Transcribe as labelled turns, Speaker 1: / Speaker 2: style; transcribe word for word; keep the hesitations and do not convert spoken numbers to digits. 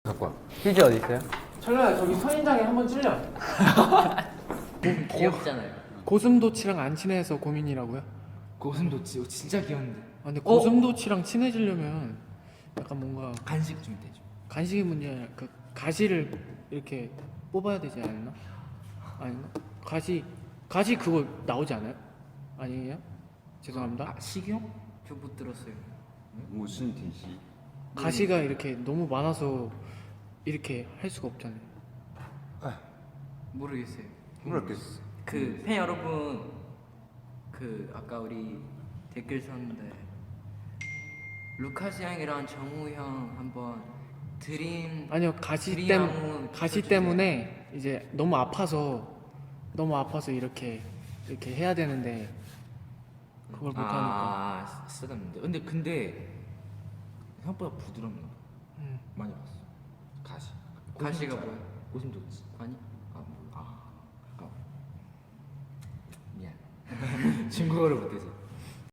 Speaker 1: 갖고 와.
Speaker 2: 휴지 어디 있어요?
Speaker 3: 철로야 저기 선인장에 한번 찔려.
Speaker 4: 귀엽잖아요.
Speaker 3: 고슴도치랑 안 친해서 고민이라고요?
Speaker 5: 고슴도치 진짜 귀여운데.
Speaker 3: 아 근데 고슴도치랑 친해지려면 약간 뭔가
Speaker 5: 간식 좀 되죠.
Speaker 3: 간식이 문제 아니라 그 가시를 이렇게 뽑아야 되지 않나? 아닌가? 가시 가시 그거 나오지 않아요? 아니에요? 죄송합니다.
Speaker 5: 아 식용?
Speaker 4: 저 못 들었어요.
Speaker 1: 무슨 디시?
Speaker 3: 가시가 이렇게 너무 많아서 이렇게 할 수가 없잖아요.
Speaker 4: 모르겠어요.
Speaker 1: 모르겠어.
Speaker 4: 그 팬 여러분, 그 아까 우리 댓글 썼는데 루카스 형이랑 정우 형 한번 드림
Speaker 3: 아니요 가시
Speaker 4: 드림
Speaker 3: 때
Speaker 4: 안무
Speaker 3: 가시
Speaker 4: 붙여주세요.
Speaker 3: 때문에 이제 너무 아파서 너무 아파서 이렇게 이렇게 해야 되는데 그걸 못 하니까.
Speaker 5: 아 쓰다는데. 근데 근데 생각보다 부드럽나 봐.
Speaker 3: 음.
Speaker 5: 많이 봤어. 가시.
Speaker 4: 가시가
Speaker 5: 고슴도치
Speaker 4: 뭐야?
Speaker 5: 알아? 고슴도치.
Speaker 4: 아니
Speaker 5: 아 뭐. 아. 아까워. 미안. 중국어를 못해서.